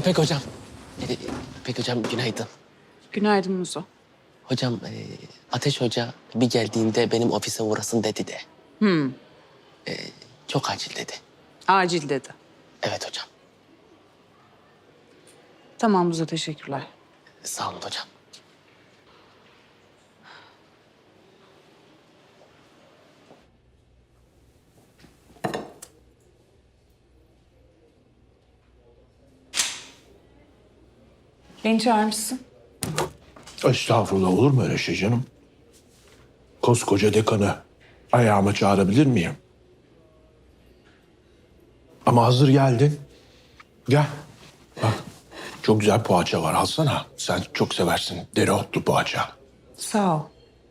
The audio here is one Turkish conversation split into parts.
İpek hocam. İpek hocam günaydın. Günaydın Muzo. Hocam Ateş Hoca bir geldiğinde benim ofise uğrasın dedi de. Çok acil dedi. Acil dedi. Evet hocam. Tamam Muzo, teşekkürler. Sağ olun hocam. Beni çağırmışsın. Estağfurullah, olur mu öyle şey canım? Koskoca dekanı ayağıma çağırabilir miyim? Ama hazır geldin. Gel. Bak, çok güzel poğaça var, alsana. Sen çok seversin dereotlu poğaça. Sağ ol.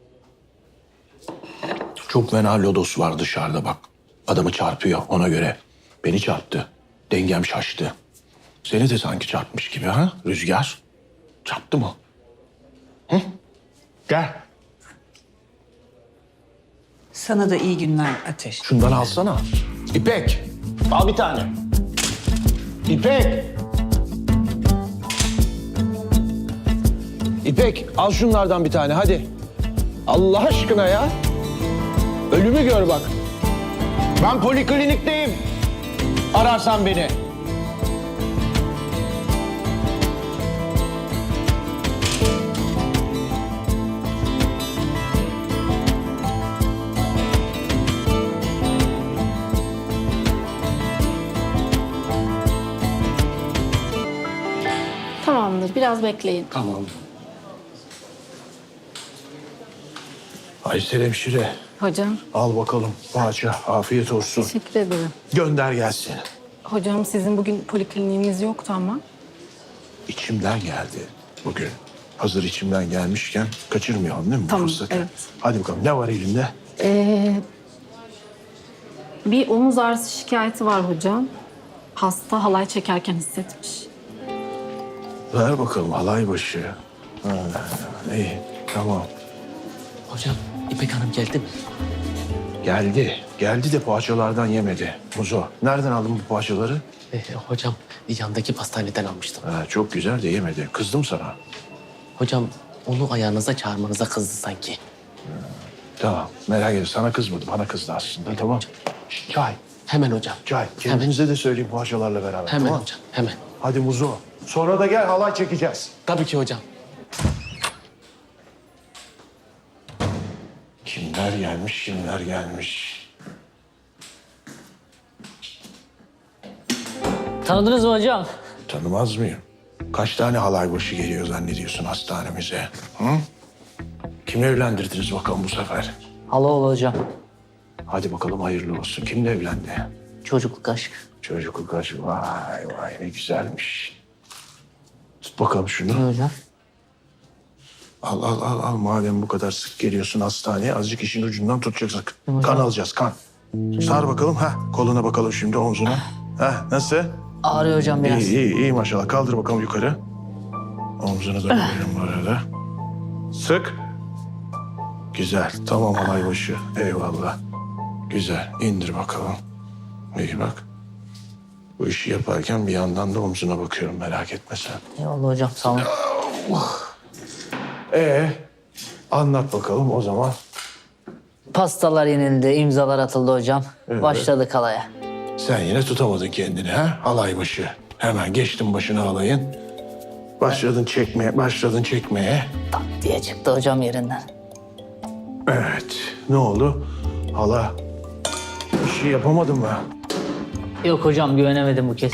Çok fena lodos var dışarıda bak. Adamı çarpıyor ona göre. Beni çarptı. Dengem şaştı. Seni de sanki çarpmış gibi ha Rüzgar? Çarptı mı? Hı? Gel. Sana da iyi günler Ateş. Şundan alsana. İpek, al bir tane. İpek. İpek, al şunlardan bir tane hadi. Allah aşkına ya. Ölümü gör bak. Ben poliklinikteyim. Ararsan beni. Tamamdır, biraz bekleyin. Tamam. Aysel hemşire, Hocam, al bakalım poğaça. Afiyet olsun. teşekkür ederim. Gönder gelsin. Hocam sizin bugün polikliniğiniz yoktu ama. İçimden geldi bugün. Hazır içimden gelmişken kaçırmayalım değil mi bu Tamam, fırsatı? evet. Hadi bakalım, ne var elinde? Bir omuz ağrısı şikayeti var hocam. Hasta halay çekerken hissetmiş. Ver bakalım halay başı. Ha, iyi, tamam. Hocam İpek Hanım geldi mi? Geldi. Geldi de poğaçalardan yemedi. Muzo, nereden aldın bu poğaçaları? Hocam yandaki pastaneden almıştım. Ha, çok güzel de yemedi. Kızdım sana. Hocam onu ayağınıza çağırmanıza kızdı sanki. Tamam, merak etme. Sana kızmadı, bana kızdı aslında. Öyle Tamam. hocam. Şşt, çay, Hemen hocam. çay. Kendinize de söyleyeyim poğaçalarla beraber. Hemen tamam? hocam, hemen. Hadi Muzo. Sonra da gel halay çekeceğiz. Tabii ki hocam. Kimler gelmiş, kimler gelmiş. Tanıdınız mı hocam? Tanımaz mıyım? Kaç tane halay başı geliyor zannediyorsun hastanemize? Hı? Kimi evlendirdiniz bakalım bu sefer? Halaoğlu hocam. Hadi bakalım hayırlı olsun. Kimle evlendi? Çocukluk aşk. Çocukluk aşkı. Vay vay ne güzelmiş. Tut bakalım şunu. Hocam. Al. Madem bu kadar sık geliyorsun hastaneye azıcık işin ucundan tutacaksın. Kan alacağız kan. Sar bakalım. Koluna bakalım şimdi omzuna. Nasıl? Ağrıyor hocam biraz. İyi maşallah. Kaldır bakalım yukarı. Omzunu da koyuyorum bu arada. Sık. Güzel. Tamam halay başı. Eyvallah. Güzel. İndir bakalım. İyi bak. Bu işi yaparken bir yandan da omzuna bakıyorum. Merak etme sen. Eyvallah hocam sağ olun. Anlat bakalım o zaman. Pastalar yenildi, imzalar atıldı hocam. Evet. Başladık halaya. Sen yine tutamadın kendini ha? Halay başı. Hemen geçtin başına halayın. Başladın çekmeye. Tak diye çıktı hocam yerinden. Evet. Ne oldu? Hala bir şey yapamadın mı? Yok hocam güvenemedim bu kez.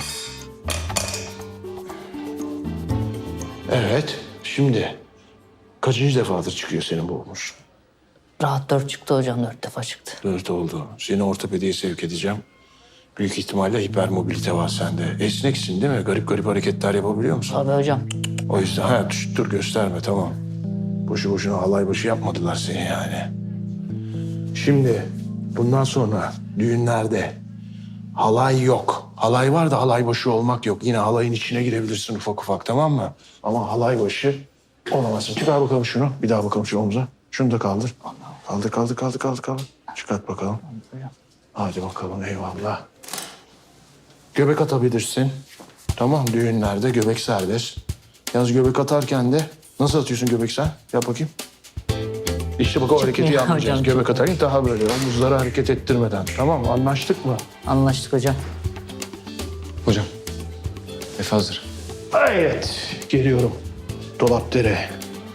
Evet. Şimdi kaçıncı defadır çıkıyor senin bu omuz? Rahat 4 çıktı hocam, 4 defa çıktı. 4 oldu. Seni ortopediye sevk edeceğim. Büyük ihtimalle hipermobilite var sende. Esneksin değil mi? Garip garip hareketler yapabiliyor musun? Tabii hocam. O yüzden dur gösterme tamam. Boşu boşuna halay başı yapmadılar seni yani. Şimdi bundan sonra düğünlerde halay yok. Halay var da halay başı olmak yok. Yine halayın içine girebilirsin ufak ufak tamam mı? Ama halay başı olamazsın. Çıkar bakalım şunu. Bir daha bakalım şu omuza. Şunu da kaldır. Kaldır. Çıkart bakalım. Hadi bakalım eyvallah. Göbek atabilirsin. Tamam, düğünlerde göbek serbest. Yalnız göbek atarken de nasıl atıyorsun göbek sen? Yap bakayım. İşte bak o hareketi yapmayacağız. hocam. Göbek atarken daha böyle omuzları hareket ettirmeden. Tamam mı? Anlaştık mı? Anlaştık hocam. Hocam, Efe hazır. Evet, geliyorum. Dolapdere.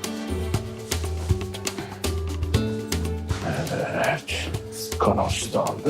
Evet, kanalsı da aldık.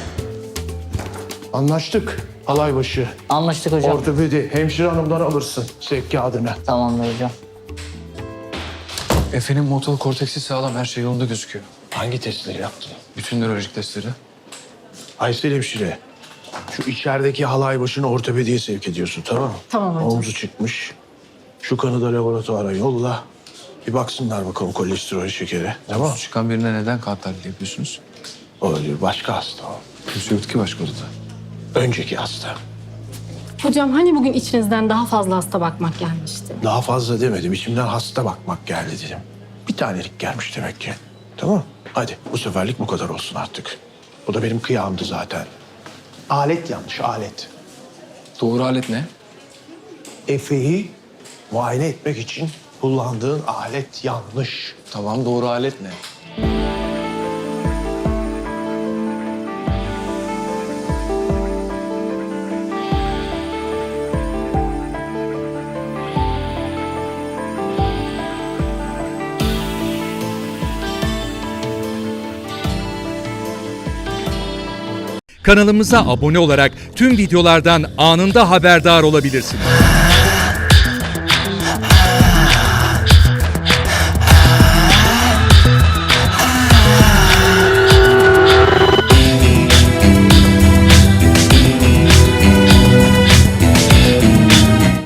Anlaştık. Halay başı. Anlaştık hocam. Ortopedi. Hemşire hanımdan alırsın sevk kağıdını. Tamamdır hocam. Efe'nin motor korteksi sağlam, her şey yolunda gözüküyor. Hangi testleri yaptın? Bütün nörolojik testleri. Aysel hemşire. Şu içerideki halay başını ortopediye sevk ediyorsun, tamam mı? Tamam hocam. Omzu çıkmış. Şu kanı da laboratuvara yolla. Bir baksınlar bakalım kolesterol şekeri. Tamam. Çıkan birine neden kan tahlili yapıyorsunuz? O öyle başka hasta o. Kimse yoktu ki başka odada. Önceki hasta. Hocam hani bugün içinizden daha fazla hasta bakmak gelmişti? Daha fazla demedim. İçimden hasta bakmak geldi dedim. Bir tanelik gelmiş demek ki. Tamam. Hadi bu seferlik bu kadar olsun artık. Bu da benim kıyağımdı zaten. Alet yanlış, alet. Doğru alet ne? Efe'yi muayene etmek için kullandığın alet yanlış. Tamam, doğru alet ne? Kanalımıza abone olarak tüm videolardan anında haberdar olabilirsiniz.